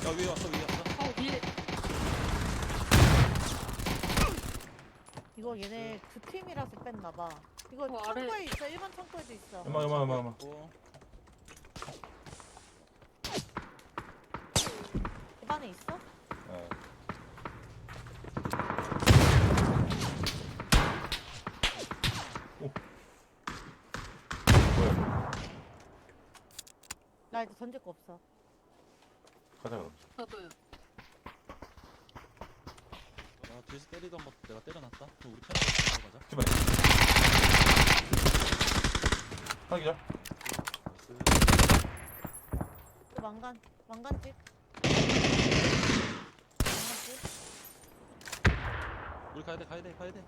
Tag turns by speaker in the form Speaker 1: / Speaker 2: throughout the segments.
Speaker 1: 위에 왔어 위에 왔어.
Speaker 2: 위에.
Speaker 3: 이거 얘네 두 팀이라서 뺐나봐. 이거
Speaker 2: 아래.
Speaker 3: 창고에 있어. 일반 창고에도 있어.
Speaker 4: 엄마.
Speaker 3: 집안에 있어?
Speaker 4: 어. 오. 뭐야?
Speaker 3: 나 이제 던질 거 없어.
Speaker 4: 가자 그럼.
Speaker 2: 저도요.
Speaker 1: 아 뒤에서 때리던 거 내가 때려놨다. 그럼 우리 편하게 가자.
Speaker 4: 집안에. 하나 기자.
Speaker 1: 나이스.
Speaker 3: 그 왕관집.
Speaker 1: 우리 가야 돼.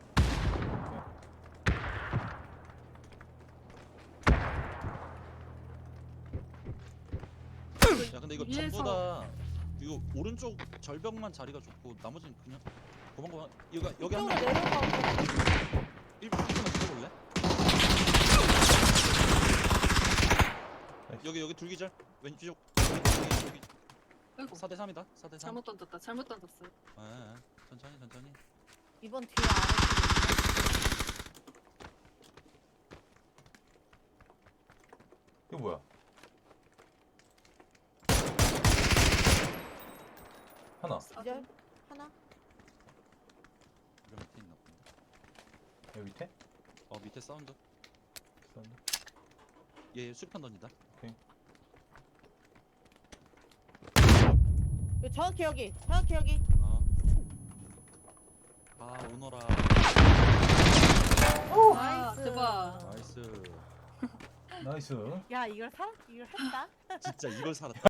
Speaker 1: 야 근데 이거
Speaker 2: 위에서-
Speaker 1: 전부 다 이거 오른쪽 절벽만 자리가 좋고 나머지는 그냥 고만고만 이거 여기 한
Speaker 3: 이쪽으로
Speaker 1: 명
Speaker 3: 내려가고.
Speaker 1: 1분만 붙어볼래? 여기 둘기절 왼쪽 여기
Speaker 2: 아이고.
Speaker 1: 4대 3이다 4대 3.
Speaker 2: 잘못 던졌다. 잘못 던졌어요.
Speaker 1: 천천히.
Speaker 3: 이번 뒤에 아래.
Speaker 4: 이거 뭐야? 하나.
Speaker 3: 기절 하나.
Speaker 1: 이거 밑에 있나 본데.
Speaker 4: 여기 밑에?
Speaker 1: 밑에 사운드.
Speaker 4: 사운드.
Speaker 1: 얘 수류탄 던진다.
Speaker 3: 정확히 여기. 정확히 여기.
Speaker 1: 오너라.
Speaker 3: 나이스.
Speaker 2: 대박.
Speaker 1: 나이스.
Speaker 4: 나이스.
Speaker 3: 야 이걸 했다.
Speaker 1: 진짜 이걸 살았다.